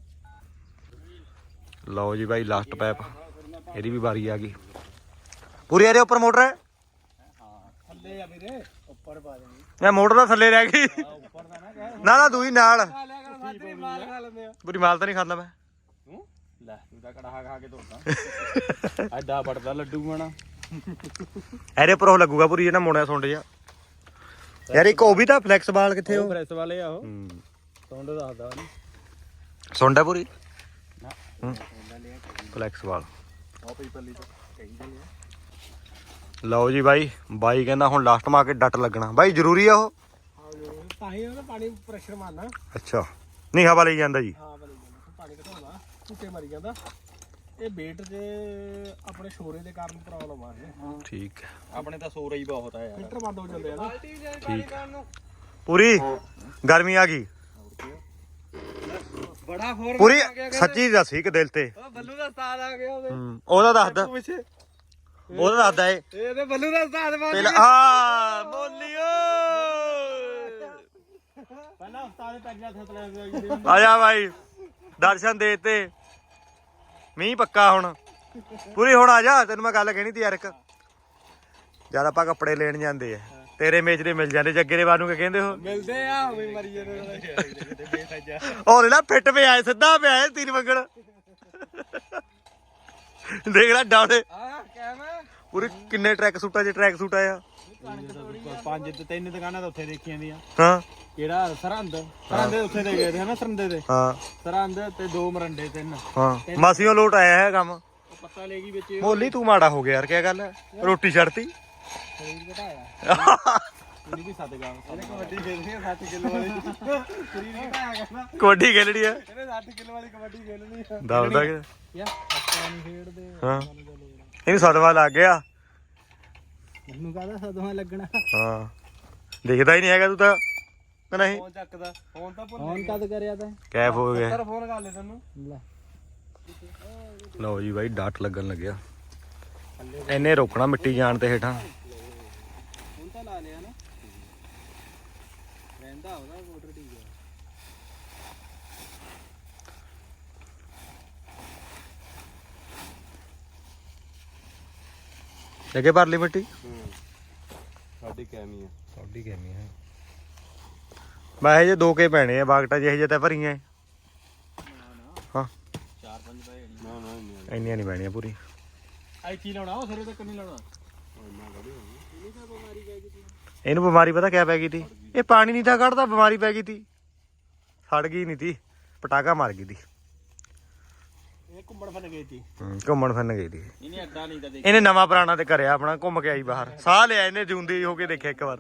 ਲਓ ਜੀ ਬਾਈ ਲਾਸਟ ਪੈਪ ਇਹਦੀ ਵੀ ਵਾਰੀ ਆ ਗਈ ਪੂਰੀ ਇਹਦੇ ਉੱਪਰ ਮੋਟਰ ਹੈ
ਥੱਲੇ ਆ ਵੀਰੇ ਉੱਪਰ ਪਾ ਦੇਣੀ
ਇਹ ਮੋਟਰ ਦਾ ਥੱਲੇ ਰਹਿ ਗਈ
ਉੱਪਰ ਦਾ ਨਾ ਕਹਿ
ਨਾ ਨਾ ਦੂਈ ਨਾਲ
ਖਾ ਲਿਆ ਕਰ ਸਾਡੀ ਮਾਰ ਖਾ ਲੈਂਦੇ ਆ
ਪੂਰੀ ਮਾਲ ਤਾਂ ਨਹੀਂ ਖਾਂਦਾ ਮੈਂ
ਤੂੰ ਲੈ ਤੂੰ ਤਾਂ ਕੜਾਹਾ ਖਾ ਕੇ ਧੋਤਾ ਐਡਾ ਬੜਦਾ ਲੱਡੂ ਬਣਾ
ਇਹਦੇ ਉੱਪਰ ਉਹ ਲੱਗੂਗਾ ਪੂਰੀ ਜਿਹੜਾ ਮੋੜਿਆ ਸੁੰਡ ਜਾ ਯਾਰ ਇੱਕ ਉਹ ਵੀ ਤਾਂ ਫਲੈਕਸ ਬਾਲ ਕਿੱਥੇ ਉਹ
ਪ੍ਰੈਸ ਵਾਲੇ ਆ ਉਹ
ਹੂੰ
ਸੌਂਡ ਦੱਸਦਾ ਨਹੀਂ
ਸੁੰਡ ਹੈ ਪੂਰੀ
ਨਾ
ਫਲੈਕਸ ਬਾਲ
ਉਹ ਪੀਪਲੀ ਤੋਂ ਕਹਿੰਦੇ ਨੇ
ਲਓ ਜੀ ਬਾਈ ਬਾਈ ਕਹਿੰਦਾ ਹੁਣ ਲਾਸਟ ਮਾ ਕੇ ਡੱਟ ਲੱਗਣਾ ਬਾਈ ਜ਼ਰੂਰੀ ਆ ਉਹ
ਤਾਂ ਹੀ ਉਹਦਾ ਪਾਣੀ ਪ੍ਰੈਸ਼ਰ ਮਾਰਨਾ
ਅੱਛਾ ਨਹੀਂ ਹਵਾ ਲਈ ਜਾਂਦਾ ਜੀ
ਹਾਂ ਬਲੀ ਜਾਂਦਾ ਪਾਣੀ ਘਟਾਉਂਦਾ ਝੂਟੇ ਮਾਰੀ ਜਾਂਦਾ ਇਹ ਵੇਟ ਦੇ ਆਪਣੇ ਸ਼ੋਰੇ ਦੇ ਕਾਰਨ ਪ੍ਰੋਬਲਮ ਆ ਰਹੀ
ਠੀਕ ਹੈ
ਆਪਣੇ ਤਾਂ ਸੋਰਾ ਹੀ ਬਹੁਤ ਆ ਯਾਰ
ਫਿਲਟਰ ਬੰਦ ਹੋ ਜਾਂਦੇ ਆ ਨਾ
ਠੀਕ ਪੂਰੀ ਗਰਮੀ ਆ ਗਈ
ਬੜਾ ਹੋਰ
ਪੂਰੀ ਸੱਚੀ ਦੱਸੀ ਕਿ ਦਿਲ ਤੇ
ਉਹ ਬੱਲੂ ਦਾ ਉਸਤਾਦ ਆ ਗਿਆ ਉਹਦੇ
ਹੂੰ, ਉਹਦਾ ਦੱਸਦਾ
ਪਿੱਛੇ
ਉਹਦਾ ਦੱਸਦਾ ਏ
ਇਹਦੇ ਬੱਲੂ ਦਾ ਉਸਤਾਦ ਬਣ
ਪਹਿਲਾਂ ਆ ਬੋਲੀਓ
ਪਹਿਲਾਂ ਉਸਤਾਦ ਪੈਜਾ ਥਤਲੇ
ਆ ਜਾ ਬਾਈ ਦਰਸ਼ਨ ਦੇ ਤੇ ਮੀਂਹ ਪੱਕਾ ਹੁਣ ਪੂਰੀ ਹੁਣ ਆ ਜਾ ਤੈਨੂੰ ਮੈਂ ਗੱਲ ਕਹਿਣੀ ਤੀ ਯਾਰ ਇੱਕ ਜਦ ਆਪਾਂ ਕੱਪੜੇ ਲੈਣ ਜਾਂਦੇ ਆ ਤੇਰੇ ਮੇਜਰੇ ਮਿਲ ਜਾਂਦੇ ਜੱਗੇ ਦੇ ਬਾਨੂੰ ਕਿ ਕਹਿੰਦੇ ਹੋ
ਮਿਲਦੇ ਆ ਉਵੇਂ ਮਰੀ ਜਾਂਦੇ ਬੇਸਜਾ
ਉਹ ਨਾ ਫਿੱਟ ਪਿਆ ਸਿੱਧਾ ਪਿਆ ਤੀਨ ਮੰਗਣ ਦੇਖ ਲੈ ਡਾਉਣੇ
ਆ ਕਹਿਣਾ
ਪੂਰੇ ਕਿੰਨੇ ਟਰੈਕ ਸੂਟਾਂ 'ਚ ਟਰੈਕ ਸੂਟ ਆਇਆ
ਪੰਜ ਤੇ ਤਿੰਨ ਦੁਕਾਨਾਂ ਤਾਂ ਉੱਥੇ ਦੇਖੀਆਂ ਦੀਆਂ
ਹਾਂ
ਕਿਹੜਾ ਸਰਹੰਦ ਸਰਹੰਦ ਉੱਥੇ ਦੇ ਗਏ ਤੇ ਹਨਾ ਸਰਹੰਦੇ ਦੇ
ਹਾਂ
ਸਰਹੰਦ ਤੇ ਦੋ ਮਰੰਡੇ ਤਿੰਨ
ਹਾਂ ਮਾਸੀਓ ਲੋਟ ਆਇਆ ਹੈ ਕੰਮ
ਪੱਤਾ ਲੈ ਗਈ ਵਿੱਚ
ਮੋਲੀ ਤੂੰ ਮਾੜਾ ਹੋ ਗਿਆ ਯਾਰ ਕੀ ਗੱਲ ਹੈ ਰੋਟੀ ਛੱਡਤੀ
ਸਰੀਰ ਘਟਾਇਆ
ਪੂਰੀ ਵੀ ਸੱਦ ਗਾ
ਇਹਨੇ ਕਬੱਡੀ ਖੇਡਣੀ ਆ ਸੱਠ ਕਿਲੋ ਵਾਲੀ ਸਰੀਰ ਘਟਾਇਆ ਕਰਨਾ
ਕਬੱਡੀ ਖੇਲਣੀ ਆ
ਇਹਨੇ ਸੱਠ ਕਿਲੋ ਵਾਲੀ ਕਬੱਡੀ ਖੇਡਣੀ ਆ
ਦੱਸਦਾ ਕਿ
ਯਾ ਆਪਾਂ ਨਹੀਂ ਖੇਡਦੇ
ਹਾਂ ਇਹਨੂੰ ਸਦਮਾ ਲੱਗ ਗਿਆ
ਮੈਨੂੰ ਕਹਦਾ ਸਦਮਾ ਲੱਗਣਾ
ਹਾਂ ਦਿਖਦਾ ਹੀ ਨਹੀਂ ਹੈਗਾ ਤੂੰ ਤਾਂ ਕਿ ਨਹੀਂ
ਫੋਨ ਚੱਕਦਾ ਫੋਨ ਤਾਂ ਭੁੱਲ ਫੋਨ ਕਦ ਕਰਿਆ ਤੈਂ
ਕੈਫ ਹੋ ਗਿਆ
ਤੇਰਾ ਫੋਨ ਕਰ ਲੈ ਤੈਨੂੰ ਲੈ
ਲਓ ਜੀ ਬਾਈ ਡਾਟ ਲੱਗਣ ਲੱਗਿਆ ਇਹਨੇ ਰੋਕਣਾ ਮਿੱਟੀ ਜਾਣ ਤੇ ਹੇਠਾਂ
ਹੁਣ ਤਾਂ ਲਾ ਲਿਆ ਨਾ ਰਹਿੰਦਾ ਉਹਦਾ ਮੋਟਰ ਠੀਕ ਹੈ
ਜੱਗੇ ਭਰ ਲਈ ਮਿੱਟੀ
ਸਾਡੀ ਕੈਮੀ ਆ
ਸਾਡੀ ਕੈਮੀ ਹੈ ਮੈਂ ਇਹ ਜੇ ਦੋ ਕੇ ਪੈਣੇ ਆ ਬਾਗਟਾ ਜਿਹੇ ਜੇ ਤਾਂ ਭਰੀਆਂ ਹਾਂ
ਚਾਰ ਪੰਜ ਪੈ
ਨਾ ਨਾ
ਇੰਨੀਆਂ ਨਹੀਂ ਪੈਣੀਆਂ ਪੂਰੀ
ਆਈ ਕੀ ਲਾਉਣਾ ਉਹ ਸਿਰੇ ਤੱਕ ਨਹੀਂ ਲਾਉਣਾ
ਇਹਨੂੰ ਬਿਮਾਰੀ ਪਤਾ ਕਿਆ ਪੈ ਗਈ ਤੀ ਇਹ ਪਾਣੀ ਨਹੀਂ ਤਾਂ ਕੱਢਦਾ ਬਿਮਾਰੀ ਪੈ ਗਈ ਤੀ ਸੜ ਗਈ ਨਹੀਂ ਤੀ ਪਟਾਕਾ ਮਾਰ ਗਈ ਤੀ
ਇਹ ਘੁੰਮਣ ਫਿਰਨ ਗਈ ਸੀ
ਹੂੰ, ਘੁੰਮਣ ਫਿਰਨ ਗਈ ਤੀ
ਇਹਨੇ ਅੱਡਾ ਨਹੀਂ ਤਾਂ ਦੇਖ
ਇਹਨੇ ਨਵਾਂ ਪੁਰਾਣਾ ਤੇ ਕਰਿਆ ਆਪਣਾ ਘੁੰਮ ਕੇ ਆਈ ਬਾਹਰ ਸਾਹ ਲਿਆ ਇਹਨੇ ਜੂੰਦੀ ਹੋ ਕੇ ਦੇਖਿਆ ਇੱਕ ਵਾਰ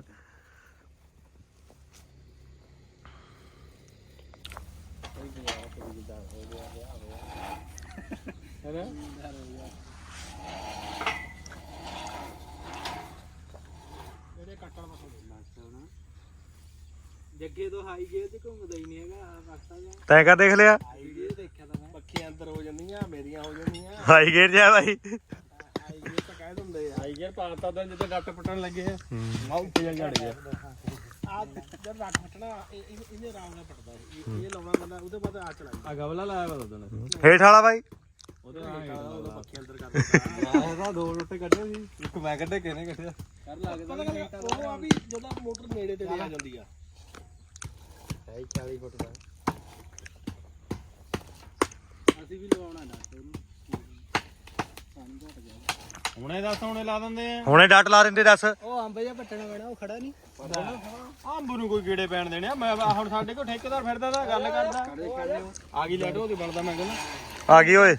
ਹੈਨਾ ਇਹਦੇ ਕੱਟਣ ਮਸੋਂ ਲੱਗਦਾ ਜੱਗੇ ਤੋਂ ਹਾਈ ਗੇਅਰ ਤੇ ਘੁੰਮਦਾ ਹੀ ਨਹੀਂ ਹੈਗਾ ਵਕਤਾ ਜਾਂ
ਤੈਂ ਕਾ ਦੇਖ ਲਿਆ
ਹਾਈ ਗੇਅਰ ਦੇਖਿਆ ਤਾਂ ਮੈਂ ਪੱਖੀਆਂ ਅੰਦਰ ਹੋ ਜਾਂਦੀਆਂ ਮੇਰੀਆਂ ਹੋ ਜਾਂਦੀਆਂ
ਹਾਈ ਗੇਰ ਜਾ ਬਾਈ
ਹਾਈ ਗੇਅਰ ਤਾਂ ਕਹਿ ਦਿੰਦੇ ਆ
ਆਈ ਗਿਆ ਪਾਤਾ ਤਾਂ ਜਦੋਂ ਡੱਟ ਪਟਣ ਲੱਗੇ ਆ
ਹੂੰ।
ਆ ਉੱਤੇ ਜਾ ਝੜ ਗਿਆ
ਆ ਜਦ ਰੱਖ ਫਟਣਾ ਇਹਨੇ ਆਰਾਮ ਨਾਲ ਪੜਦਾ ਇਹ ਲਾਉਣਾ ਬੰਦਾ ਉਹਦੇ ਬਾਅਦ ਆ ਚਲਾਈ
ਆ ਗਵਲਾ ਲਾਇਆ ਵਾ ਉਦੋਂ
ਹੇਠ ਵਾਲਾ ਬਾਈ
ਉਹਦੇ ਉਹਦਾ ਪੱਖੀ ਅੰਦਰ ਕਰ ਦਿੰਦਾ
ਇਹਦਾ ਦੋ ਰੋਟੇ ਕੱਢੇ ਸੀ ਇੱਕ ਮੈਂ ਕੱਢੇ ਕਿਹਨੇ ਕੱਢਿਆ
ਕਰ ਲੱਗਦਾ ਉਹ ਆ ਵੀ ਜਦੋਂ ਮੋਟਰ ਨੇੜੇ ਤੇ ਆ ਜਾਂਦੀ ਆ
ਹੈ ਚਾਲੀ ਫੁੱਟ ਦਾ
ਅਸੀਂ ਵੀ ਲਵਾਉਣਾ ਡਾਕਟਰ ਨੂੰ ਪਾਣੀ ਘਟ ਗਿਆ
ਹੁਣੇ ਦੱਸ ਹੁਣੇ ਲਾ ਦਿੰਦੇ ਆ
ਹੁਣੇ ਡਾਟ ਲਾ ਦਿੰਦੇ ਦੱਸ
ਉਹ ਅੰਬ ਜਿਹਾ ਪੱਟਣਾ ਪੈਣਾ ਉਹ ਖੜਾ ਨਹੀਂ
ਅੰਬ ਨੂੰ ਕੋਈ ਕੀੜੇ ਪੈਣ ਦੇਣੇ ਆ ਮੈਂ ਹੁਣ ਸਾਡੇ ਕੋਲ ਠੇਕੇਦਾਰ ਫਿਰਦਾ ਤਾਂ ਗੱਲ ਕਰਦਾ ਆ ਗਈ ਲੈਟ ਉਹਦੀ ਬਣਦਾ ਮੈਂ ਕਹਿੰਦਾ
ਆ ਗਈ ਓਏ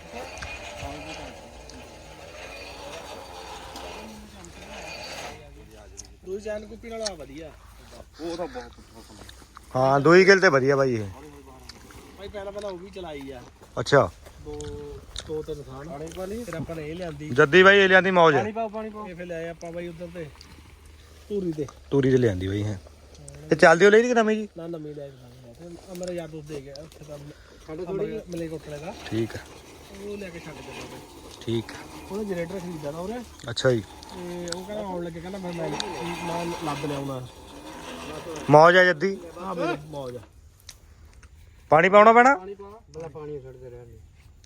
ਦੂਜੀ ਚੈਨ ਕੁੱਪੀ ਨਾਲ ਆ ਵਧੀਆ
ਉਹ ਤਾਂ ਬਹੁਤ
ਹਾਂ ਦੋਈ ਗਿਲ ਤੇ ਵਧੀਆ ਬਾਈ ਇਹ
ਭਾਈ ਪਹਿਲਾਂ ਪਹਿਲਾਂ ਉਹ ਵੀ ਚਲਾਈ ਆ
ਅੱਛਾ
ਦੋ ਦੋ ਤਿੰਨ ਥਾਨ ਪਾਣੀ ਵਾਲੀ ਫਿਰ ਆਪਾਂ ਨੇ ਇਹ ਲਿਆਂਦੀ
ਜੱਦੀ ਬਾਈ ਇਹ ਲਿਆਂਦੀ ਮੌਜ
ਪਾਣੀ ਪਾਓ ਪਾਣੀ ਪਾਓ
ਇਹ ਫਿਰ ਲਿਆਏ ਆਪਾਂ ਬਾਈ ਉਧਰ ਤੇ ਧੂਰੀ ਤੇ
ਤੂਰੀ ਤੇ ਲਿਆਂਦੀ ਬਾਈ ਹੈ ਤੇ ਚੱਲਦੀ ਹੋ ਲਈ ਕਿ ਨਵੀਂ ਜੀ
ਨਾ ਨਵੀਂ ਲੈ ਕੇ ਫਿਰ ਮੇਰੇ ਯਾਰ ਦੋਸਤ ਦੇ ਗਿਆ ਉੱਥੇ ਤਾਂ ਸਾਡੇ ਥੋੜੀ ਮਲੇ ਕੋਟਲੇ ਦਾ
ਠੀਕ ਆ
ਉਹ ਲੈ ਕੇ ਛੱਡ ਦਿੱਤਾ ਬਾਈ
ਠੀਕ ਆ
ਉਹਨੇ ਜਨਰੇਟਰ ਖਰੀਦਾ ਨਾ ਉਹਨੇ
ਅੱਛਾ ਜੀ
ਤੇ ਉਹ ਕਹਿੰਦਾ ਆਉਣ ਲੱਗੇ ਕਹਿੰਦਾ ਫਿਰ ਮੈਂ ਮੈਂ ਲੱਭ ਲਿਆਉਣਾ
ਮੌਜ ਆ ਜੱਦੀ
ਆ ਬਈ ਮੌਜ
ਪਾਣੀ ਪਾਉਣਾ ਪੈਣਾ
ਪਾਣੀ ਪਾ ਬੜਾ ਪਾਣੀ ਛੱਡਦੇ ਰਹਿਣ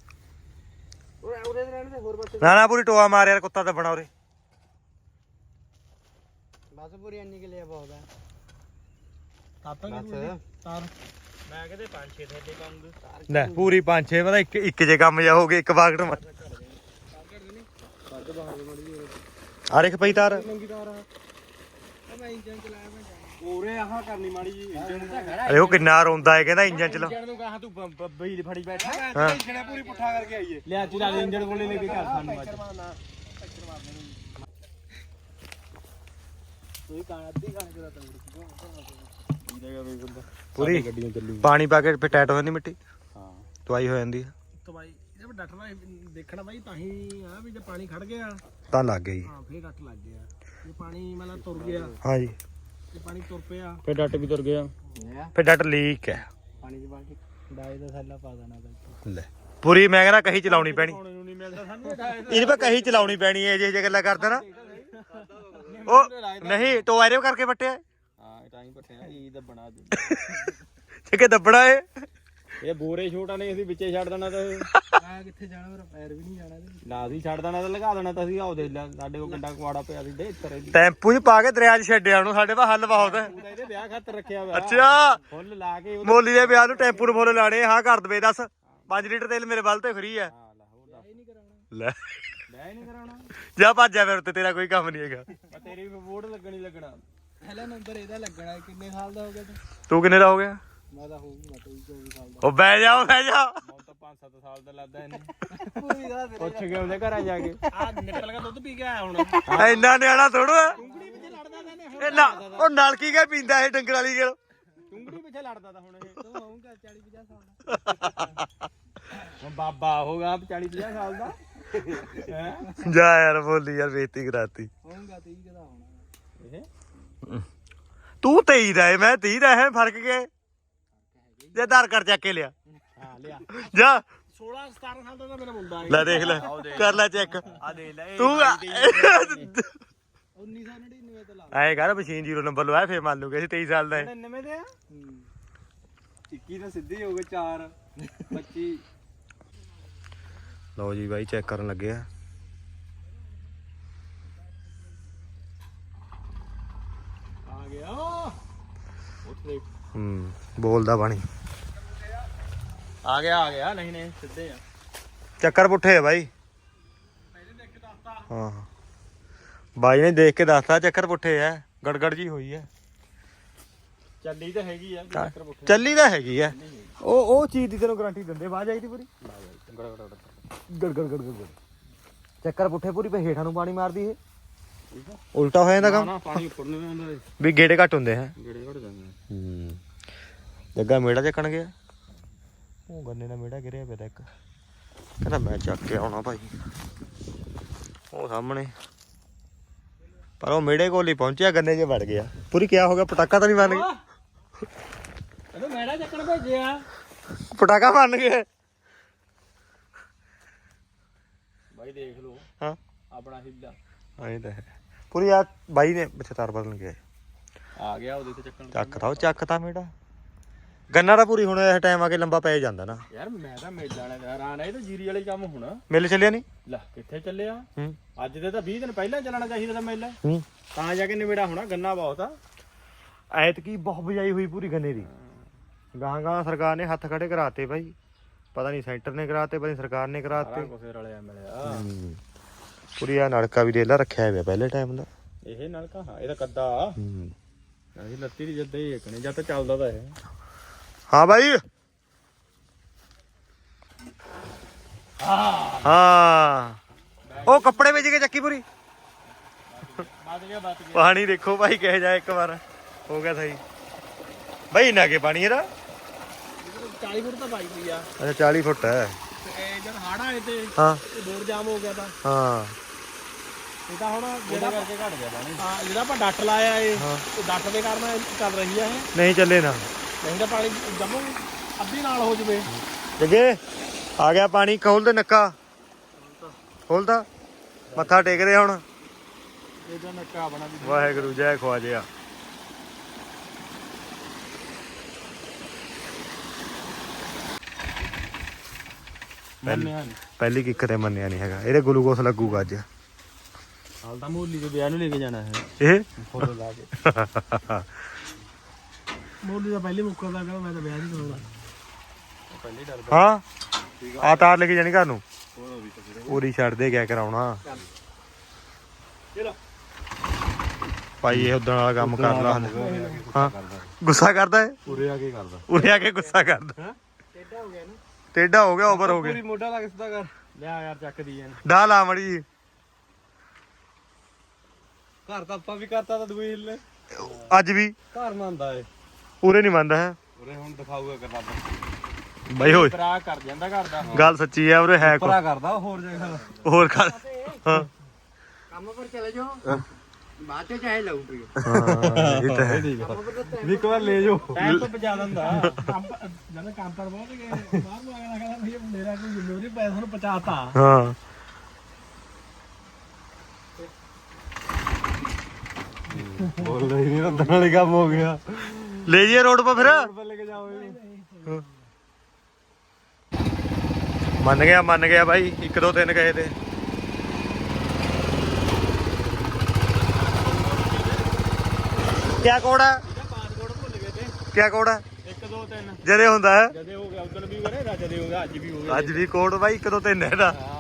ਉਹ ਉਰੇ ਦੇ ਰਹਿਣ ਦੇ ਹੋਰ ਪਾਸੇ
ਨਾ ਨਾ ਪੂਰੀ ਟੋਆ ਮਾਰ ਯਾਰ ਕੁੱਤਾ ਦੱਬਣਾ ਉਰੇ
ਬਸ ਪੂਰੀ ਇੰਨੀ ਕਿ ਲਿਆ ਬਹੁਤ ਹੈ ਤਾਤਾਂ ਕਿ ਤਾਰ ਮੈਂ ਕਹਿੰਦੇ ਪੰਜ ਛੇ ਥੱਲੇ ਕੰਮ
ਲੈ ਪੂਰੀ ਪੰਜ ਛੇ ਪਤਾ ਇੱਕ ਇੱਕ ਜੇ ਕੰਮ ਜਾ ਹੋ ਗਿਆ ਇੱਕ ਬਾਗਟ ਮਾਰ
ਕੱਢ ਬਾਹਰ ਮੜੀ
ਆ ਰੇਖ ਪਈ ਤਾਰ
ਨੰਗੀ ਤਾਰ ਆ ਮੈਂ ਇੰਜਨ ਚਲਾਇਆ ਮੈਂ
ਉਰੇ ਆਹ ਕਰਨੀ ਮਾੜੀ ਜੀ ਇੰਜਣ ਤਾਂ ਖੜਾ
ਅਰੇ ਉਹ ਕਿੰਨਾ ਰੋਂਦਾ ਹੈ ਕਹਿੰਦਾ ਇੰਜਨ ਚਲਾ
ਇੰਜਣ ਨੂੰ ਕਹਾ ਤੂੰ ਬਈ ਫੜੀ ਬੈਠਾ
ਹਾਂ
ਇੰਜਣ ਪੂਰੀ ਪੁੱਠਾ ਕਰਕੇ ਆਈਏ ਲਿਆ ਚਲਾ ਦੇ ਇੰਜਣ ਕੋਲੇ ਲੈ ਕੇ ਘਰ ਸਾਨੂੰ ਅੱਜ
ਤੂੰ ਕਾਣ ਅੱਧੀ ਕਾਣ ਕਰਾ ਤਾ
ਪੂਰੀ
ਗੱਡੀਆਂ ਚੱਲੂ
ਪਾਣੀ ਪਾ ਕੇ ਫਿਰ ਟਾਈਟ ਹੋ ਜਾਂਦੀ ਮਿੱਟੀ
ਹਾਂ
ਤਵਾਈ ਹੋ ਜਾਂਦੀ ਹੈ
ਤਾਂ ਬਾਈ ਇਹ ਡੱਟਣਾ ਦੇਖਣਾ ਬਾਈ ਤਾਂ ਹੀ ਆ ਵੀ ਜੇ ਪਾਣੀ ਖੜ ਗਿਆ
ਤਾਂ ਲੱਗ ਗਈ
ਹਾਂ ਫੇਰ ਡੱਟ ਲੱਗ ਗਿਆ ਜੇ ਪਾਣੀ ਮਤਲਬ ਤੁਰ ਗਿਆ
ਹਾਂ ਜੀ
ਜੇ ਪਾਣੀ ਤੁਰ ਪਿਆ
ਫਿਰ ਡੱਟ ਵੀ ਤੁਰ ਗਿਆ
ਫਿਰ ਡਟ ਲੀਕ ਹੈ
ਪਾਣੀ ਦੀ ਬਾਲਟੀ ਡਾਈ ਦਾ ਥੈਲਾ ਪਾ ਦੇਣਾ ਬਾਈ
ਲੈ ਪੂਰੀ ਮੈਂ ਕਹਿੰਦਾ ਕਹੀ ਚਲਾਉਣੀ ਪੈਣੀ
ਪਾਉਣੇ ਨੂੰ ਨਹੀਂ ਮਿਲਦਾ ਸਾਨੂੰ
ਇਹਦੇ ਪਾ ਕਹੀ ਚਲਾਉਣੀ ਪੈਣੀ ਹੈ ਜੇ ਜੇ ਗੱਲਾਂ ਕਰਦਾ ਨਾ ਉਹ ਨਹੀਂ ਟੋਆ ਇਹਦੇ ਕਰਕੇ ਵੱਟਿਆ
ਹਾਂ ਤਾਂ ਹੀ ਪੱਟਿਆ ਇਹ ਤਾਂ ਬਣਾ ਦੇ
ਕਿ ਦੱਬਣਾ ਏ
ਇਹ ਬੋਰੇ ਛੋਟਾ ਨੇ ਅਸੀਂ ਵਿੱਚੇ ਛੱਡ ਦੇਣਾ ਤਾਂ
ਮੈਂ ਕਿੱਥੇ ਜਾਣਾ ਮੇਰਾ ਪੈਰ ਵੀ ਨਹੀਂ ਜਾਣਾ ਇਹਦੇ
ਨਾ ਅਸੀਂ ਛੱਡ ਦੇਣਾ ਤਾਂ ਲਗਾ ਦੇਣਾ ਤਾਂ ਅਸੀਂ ਆਉ ਦੇ ਲੈ ਸਾਡੇ ਕੋਲ ਕੰਡਾ ਕੁਆੜਾ ਪਿਆ ਸੀ ਦੇ ਇੱਤਰ
ਟੈਂਪੂ 'ਚ ਪਾ ਕੇ ਦਰਿਆ 'ਚ ਛੱਡਿਆ ਉਹਨੂੰ ਸਾਡੇ ਪਾ ਹੱਲ ਬਹੁਤ ਹੈ
ਇਹਦੇ ਵਿਆਹ ਖਾਤਰ ਰੱਖਿਆ ਹੋਇਆ
ਅੱਛਾ
ਫੁੱਲ ਲਾ ਕੇ
ਮੋਲੀ ਦੇ ਵਿਆਹ ਨੂੰ ਟੈਂਪੂ ਨੂੰ ਫੁੱਲ ਲਾਣੇ ਹਾਂ ਕਰ ਦਵੇ ਦੱਸ ਪੰਜ ਲੀਟਰ ਤੇਲ ਮੇਰੇ ਵੱਲ ਤੇ ਫਰੀ ਹੈ
ਹਾਂ ਲਾ ਹੋਰ ਦੱਸ
ਨਹੀਂ ਕਰਾਉਣਾ
ਲੈ
ਲੈ ਨਹੀਂ ਕਰਾਉਣਾ
ਜਾ ਭੱਜਿਆ ਫਿਰ ਉੱਤੇ ਤੇਰਾ ਕੋਈ ਕੰਮ ਨਹੀਂ ਹੈਗਾ
ਮੈਂ ਤੇਰੀ ਵੀ ਵੋਟ ਲੱਗਣੀ ਲੱਗਣਾ
ਪਹਿਲਾ ਨੰਬਰ ਇਹਦਾ ਲੱਗਣਾ ਕਿੰਨੇ ਸਾਲ ਦਾ ਹੋ ਗਿਆ ਤੂੰ
ਤੂੰ ਕਿੰਨੇ ਦਾ ਹੋ ਗਿਆ
ਮੈਂ ਤਾਂ ਹੋਊਗਾ ਤੂੰ ਚੌਵੀ ਸਾਲ ਦਾ
ਉਹ ਬਹਿ ਜਾ ਉਹ ਬਹਿ ਜਾ
ਮੌਤ ਤਾਂ ਪੰਜ ਸੱਤ ਸਾਲ ਦਾ ਲੱਗਦਾ ਇਹਨੇ ਪੁੱਛ ਕੇ ਉਹਦੇ ਘਰਾਂ ਜਾ ਕੇ
ਆ ਨਿਕਲ ਗਿਆ ਦੁੱਧ ਪੀ ਕੇ ਆਇਆ ਹੁਣ
ਇੰਨਾ ਨਿਆਣਾ ਥੋੜਾ
ਟੁੰਗੜੀ ਵਿੱਚ ਲੜਦਾ ਤਾਂ ਇਹਨੇ
ਇਹ ਨਾ ਉਹ ਨਲਕੀ ਕੇ ਪੀਂਦਾ ਇਹ ਡੰਗਰ ਵਾਲੀ ਗੱਲ
ਟੁੰਗੜੀ ਪਿੱਛੇ ਲੜਦਾ ਤਾਂ ਹੁਣ ਇਹ
ਤੂੰ ਹੋਊਗਾ ਚਾਲੀ ਪੰਜਾਹ ਸਾਲ ਦਾ
ਹੁਣ ਬਾਬਾ ਹੋਗਾ ਚਾਲੀ ਪੰਜਾਹ ਸਾਲ ਦਾ ਹੈ
ਜਾ ਯਾਰ ਬੋਲੀ ਯਾਰ ਬੇਇੱਜ਼ਤੀ ਕਰਾਤੀ
ਹੋਊਗਾ ਤੀਹ ਦਾ ਹੋਣਾ
ਇਹ
ਤੂੰ ਤੇਈ ਦਾ ਏ ਮੈਂ ਤੀਹ ਦਾ ਹੈ ਫਰਕ ਕੀ ਜੇ ਆਧਾਰ ਕਾਰਡ ਚੱਕ ਕੇ ਲਿਆ
ਹਾਂ ਲਿਆ
ਜਾ
ਸੋਲਾਂ ਸਤਾਰਾਂ ਸਾਲ ਦਾ ਤਾਂ ਮੇਰਾ ਮੁੰਡਾ ਹੈ
ਲੈ ਦੇਖ ਲੈ ਕਰ ਲੈ ਚੈੱਕ
ਆ ਦੇ ਲੈ
ਤੂੰ
ਉੱਨੀ ਸੌ ਨੜਿਨਵੇਂ ਤੇ ਲਾ
ਐ ਕਰ ਮਸ਼ੀਨ ਜ਼ੀਰੋ ਨੰਬਰ ਲਵਾਇਆ ਫੇਰ ਮੰਨ ਲੂਗੇ ਅਸੀਂ ਤੇਈ ਸਾਲ ਦਾ ਹੈ
ਨਵੇਂ ਦੇ ਆ ਇੱਕੀ ਤਾਂ ਸਿੱਧੇ ਹੋ ਗਏ ਚਾਰ ਪੱਚੀ
ਲਓ ਜੀ ਬਾਈ ਚੈੱਕ ਕਰਨ ਲੱਗੇ ਆ
ਆ ਗਿਆ
ਉੱਥੇ
ਹੂੰ ਬੋਲਦਾ ਬਾਣੀ
ਆ ਗਿਆ ਆ ਗਿਆ ਨਹੀਂ ਨਹੀਂ ਸਿੱਧੇ ਆ
ਚੱਕਰ ਪੁੱਠੇ ਆ ਬਾਈ ਹਾਂ ਬਾਈ ਨੇ ਦੇਖ ਕੇ ਦੱਸਤਾ ਚੱਕਰ ਪੁੱਠੇ ਆ ਗੜਗੜ ਜੀ ਹੋਈ ਹੈ
ਚੱਲੀ ਤਾਂ ਹੈਗੀ ਆ ਚੱਕਰ ਪੁੱਠੇ
ਚੱਲੀ ਤਾਂ ਹੈਗੀ ਆ ਉਹ ਉਹ ਚੀਜ਼ ਦੀ ਤੈਨੂੰ ਗਾਰੰਟੀ ਦਿੰਦੇ ਬਾਜ ਆਈ ਦੀ ਪੂਰੀ ਗੜ ਗੜ ਗੜ ਗੜ ਗੜ ਚੱਕਰ ਪੁੱਠੇ ਪੂਰੀ ਪੇ ਹੇਠਾਂ ਨੂੰ ਪਾਣੀ ਮਾਰਦੀ ਇਹ ਉਲਟਾ ਹੋ ਜਾਂਦਾ ਕੰਮ
ਨਾ ਪਾਣੀ ਉੱਪਰ ਨੂੰ ਆਉਂਦਾ
ਵੀ ਗੇੜੇ ਘੱਟ ਹੁੰਦੇ ਹੈ
ਗੇੜੇ ਘੜ ਜਾਂਦੇ
ਹੂੰ ਜੱਗਾ ਮੇੜਾ ਚੱਕਣ ਗਿਆ ਉਹ ਗੰਨੇ ਦਾ ਮੇੜਾ ਗਿਰਿਆ ਪਿਆ ਤਾਂ ਇੱਕ ਕਹਿੰਦਾ ਮੈਂ ਚੱਕ ਕੇ ਆਉਣਾ ਭਾਈ ਉਹ ਸਾਹਮਣੇ ਪਰ ਉਹ ਮੇੜੇ ਕੋਲ ਹੀ ਪਹੁੰਚਿਆ ਗੰਨੇ 'ਚ ਵੜ ਗਿਆ ਪੂਰੀ ਕਿਆ ਹੋ ਗਿਆ ਪਟਾਕਾ ਤਾਂ ਨਹੀਂ ਮੰਨ ਗਿਆ
ਇਹਨੂੰ ਮੈੜਾ ਚੱਕਣ ਭੇਜਿਆ
ਪਟਾਕਾ ਮੰਨ ਗਏ
ਬਾਈ ਦੇਖ ਲਓ
ਹਾਂ
ਆਪਣਾ ਹਿੱਲਾ
ਐਂ ਤਾਂ ਹੈ ਪੂਰੀ ਆ ਬਾਈ ਨੇ ਪਿੱਛੇ ਤਾਰ ਬਦਲ ਗਿਆ
ਆ ਗਿਆ ਉਹਦੇ ਤੇ ਚੱਕਣ
ਚੱਕਦਾ ਉਹ ਚੱਕਦਾ ਮੇੜਾ ਗੰਨਾ ਤਾਂ ਪੂਰੀ ਹੁਣ ਇਹ ਟਾਈਮ ਆ ਕੇ ਲੰਬਾ ਪੈ ਜਾਂਦਾ ਨਾ
ਯਾਰ ਮੈਂ ਤਾਂ ਮੇਲਾ ਵਾਲੇ ਦਾ ਹੈਰਾਨ ਆ ਇਹ ਤਾਂ ਜੀਰੀ ਵਾਲੇ ਕੰਮ ਹੋਣਾ
ਮਿਲ ਚੱਲਿਆ ਨਹੀਂ
ਲੈ ਕਿੱਥੇ ਚੱਲਿਆ
ਹੂੰ
ਅੱਜ ਦੇ ਤਾਂ ਵੀਹ ਦਿਨ ਪਹਿਲਾਂ ਚੱਲਣਾ ਚਾਹੀਦਾ ਤਾਂ ਮੇਲਾ
ਹੂੰ
ਤਾਂ ਜਾ ਕੇ ਨਿਬੇੜਾ ਹੋਣਾ ਗੰਨਾ ਬਹੁਤ ਆ
ਐਤਕੀ ਬਹੁਤ ਬਜਾਈ ਹੋਈ ਪੂਰੀ ਗੰਨੇ ਦੀ ਗਾਂ ਗਾਂ ਸਰਕਾਰ ਨੇ ਹੱਥ ਖੜੇ ਕਰਾਤੇ ਭਾਈ ਪਤਾ ਨਹੀਂ ਸੈਂਟਰ ਨੇ ਕਰਾਤੇ ਪਤਾ ਨਹੀਂ ਸਰਕਾਰ ਨੇ
ਸਾਰਾ
ਕਰਾਤੇ
ਕੁਛ ਰਲਿਆ ਮਿਲਿਆ
ਹੂੰ ਪੂਰੀ ਆ ਨਲਕਾ ਵੀ ਦੇਲਾ ਰੱਖਿਆ ਹੋਇਆ ਪਹਿਲੇ ਟਾਈਮ ਦਾ
ਇਹ ਨਲਕਾ ਹਾਂ ਇਹ ਤਾਂ ਕੱਦਾ
ਹੂੰ
ਅਸੀਂ ਲੱਤੀ ਦੀ ਜੱਦੇ ਹੀ ਇੱਕਣੇ ਜਦ ਤਾਂ ਚੱਲਦਾ ਤਾਂ ਇਹ
ਹਾਂ ਭਾਈ
ਹਾਂ
ਹਾਂ ਉਹ ਕੱਪੜੇ ਵਿੱਚ ਕੇ ਚੱਕੀ ਪੂਰੀ
ਬਚ ਗਿਆ ਬਚ ਗਿਆ
ਪਾਣੀ ਦੇਖੋ ਭਾਈ ਕਹਿ ਜਾ ਇੱਕ ਵਾਰ ਹੋ ਗਿਆ ਸਹੀ ਭਾਈ ਨਾ ਕੇ ਪਾਣੀ ਇਹਦਾ
ਚਾਲੀ ਫੁੱਟ ਤਾਂ ਪਾਈ ਪਈ ਆ
ਅੱਛਾ ਚਾਲੀ ਫੁੱਟ ਹੈ
ਤੇ ਇਹ ਜਦ ਹੜ ਆਏ ਤੇ
ਹਾਂ
ਇਹ ਬੋਰ ਜਾਮ ਹੋ ਗਿਆ ਤਾਂ
ਹਾਂ
ਇਹ ਤਾਂ ਹੁਣ
ਉਹਦੇ
ਜਿਹੜਾ
ਕਰਕੇ ਘਟ ਗਿਆ ਪਾਣੀ
ਹਾਂ ਜਿਹੜਾ ਆਪਾਂ ਡੱਟ ਲਾਇਆ ਇਹ
ਹਾਂ।
ਉਹ ਡੱਟ ਦੇ ਕਾਰਨ ਇਹ ਚੱਲ ਰਹੀ ਆ ਇਹ
ਨਹੀਂ ਚੱਲੇ ਨਾ
ਨਹੀਂ ਤਾਂ ਪਾਣੀ ਜੰਮੂ ਅੱਧੀ ਨਾਲ ਹੋ ਜਵੇ
ਜੱਗੇ ਆ ਗਿਆ ਪਾਣੀ ਖੋਲ ਦੇ ਨੱਕਾ ਖੋਲਦਾ ਮੱਥਾ ਟੇਕਦੇ ਹੁਣ
ਇਹਦਾ ਨੱਕਾ ਬਣਾ ਵੀ
ਵਾਹਿਗੁਰੂ ਜੈ ਖਵਾਜਿਆ
ਮੰਨਿਆ ਨਹੀਂ
ਪਹਿਲੀ ਕਿੱਕ ਤੇ ਮੰਨਿਆ ਨਹੀਂ ਹੈਗਾ ਇਹਦੇ ਗਲੂਕੋਸ ਲੱਗੂਗਾ ਅੱਜ
ਹਾਲ ਤਾਂ ਮੋਲੀ ਦੇ ਵਿਆਹ ਨੂੰ ਲੈ ਕੇ ਜਾਣਾ ਹੈ
ਇਹ
ਫੋਟੋ ਲਾ ਕੇ
ਮੋਲੀ ਦਾ ਪਹਿਲੇ ਮੁੱਕਰਦਾ ਕਹਿੰਦਾ ਮੈਂ ਤਾਂ ਵਿਆਹ ਨਹੀਂ ਕਰਾਉਣਾ
ਪਹਿਲੇ ਡਰਦਾ
ਹਾਂ ਆ ਤਾਰ ਲੈ ਕੇ ਜਾਣੀ ਘਰ ਨੂੰ ਪੂਰੀ ਛੱਡ ਦੇ ਕਿਆ ਕਰਾਉਣਾ
ਚਲੋ
ਭਾਈ ਇਹ ਉਦੋਂ ਵਾਲਾ ਕੰਮ ਕਰ ਲਾ ਹਾਂ ਗੁੱਸਾ ਕਰਦਾ ਹੈ
ਉਰੇ ਆ ਕੇ ਕਰਦਾ
ਉਰੇ ਆ ਕੇ ਗੁੱਸਾ ਕਰਦਾ
ਟੇਢਾ ਹੋ ਗਿਆ ਨਾ
ਟੇਢਾ ਹੋ ਗਿਆ ਓਵਰ ਹੋ ਗਿਆ
ਪੂਰੀ ਮੋਢਾ ਲਾ ਕੇ ਸਿੱਧਾ ਕਰ ਲਿਆ ਯਾਰ ਚੱਕਦੀ ਐ
ਡਾ ਲਾ ਮੜੀ
ਘਰ ਤਾਂ ਆਪਾਂ ਵੀ ਕਰਤਾ ਤਾਂ ਦੂਈ ਹਿੱਲੇ
ਅੱਜ ਵੀ
ਘਰ ਮੰਨਦਾ ਏ
ਉਰੇ ਨਹੀਂ ਮੰਨਦਾ ਹੈ
ਉਰੇ ਹੁਣ ਦਿਖਾਊਗਾ ਕਰਦਾ
ਬਾਈ ਹੋਏ
ਪਰਾ ਕਰ ਜਾਂਦਾ ਘਰ ਦਾ
ਗੱਲ ਸੱਚੀ ਹੈ ਉਰੇ ਹੈ ਕੋ
ਪਰਾ ਕਰਦਾ ਹੋਰ ਜਗ੍ਹਾ
ਹੋਰ ਕਰ ਹਾਂ
ਕੰਮ ਪਰ ਚਲੇ ਜਾਓ ਬਾਅਦ ਚ ਚਾਹੇ ਲਊ ਪਈ
ਹਾਂ ਇਹ ਤਾਂ ਹੈ
ਵੀ ਇੱਕ ਵਾਰ ਲੈ ਜਾਓ ਟਾਈਮ ਤੋਂ ਬਚਾ ਦਿੰਦਾ
ਕੰਮ ਜਦੋਂ ਕੰਮ ਪਰ ਬਹੁਤ ਗਏ ਬਾਹਰ ਨੂੰ ਆਇਆ ਕਹਿੰਦਾ ਭਈ ਮੇਰਾ ਕੋਈ ਜ਼ਿੰਮੇਵਾਰੀ ਪੈਸਾ ਨੂੰ ਪਹੁੰਚਾਤਾ
ਹਾਂ
ਬੋਲ ਰਹੀ ਨਹੀਂ ਤਾਂ ਨਾਲੇ ਕੰਮ ਹੋ ਗਿਆ
ਲੈ ਜੀਏ ਰੋਡ 'ਤੇ ਫਿਰ
ਪਰ ਲੈ ਕੇ ਜਾਓ
ਮੰਨ ਗਿਆ ਮੰਨ ਗਿਆ ਬਾਈ ਇੱਕ ਦੋ ਤਿੰਨ ਕਹੇ ਤੇ ਕਿਆ ਕੋਡ ਹੈ
ਪਾਸਪੋਰਟ ਭੁੱਲ ਗਏ ਤੇ
ਕਿਆ ਕੋਡ ਹੈ
ਇੱਕ ਦੋ ਤਿੰਨ
ਜਦੇ ਹੁੰਦਾ ਹੈ
ਜਦੇ ਹੋ ਗਿਆ ਉਦੋਂ ਵੀ ਹੋ ਗਿਆ ਜਦੇ ਹੋ ਗਿਆ ਅੱਜ ਵੀ ਹੋ ਗਿਆ
ਅੱਜ ਵੀ ਕੋਡ ਬਾਈ ਇੱਕ ਦੋ ਤਿੰਨ ਹੈ ਇਹਦਾ
ਹਾਂ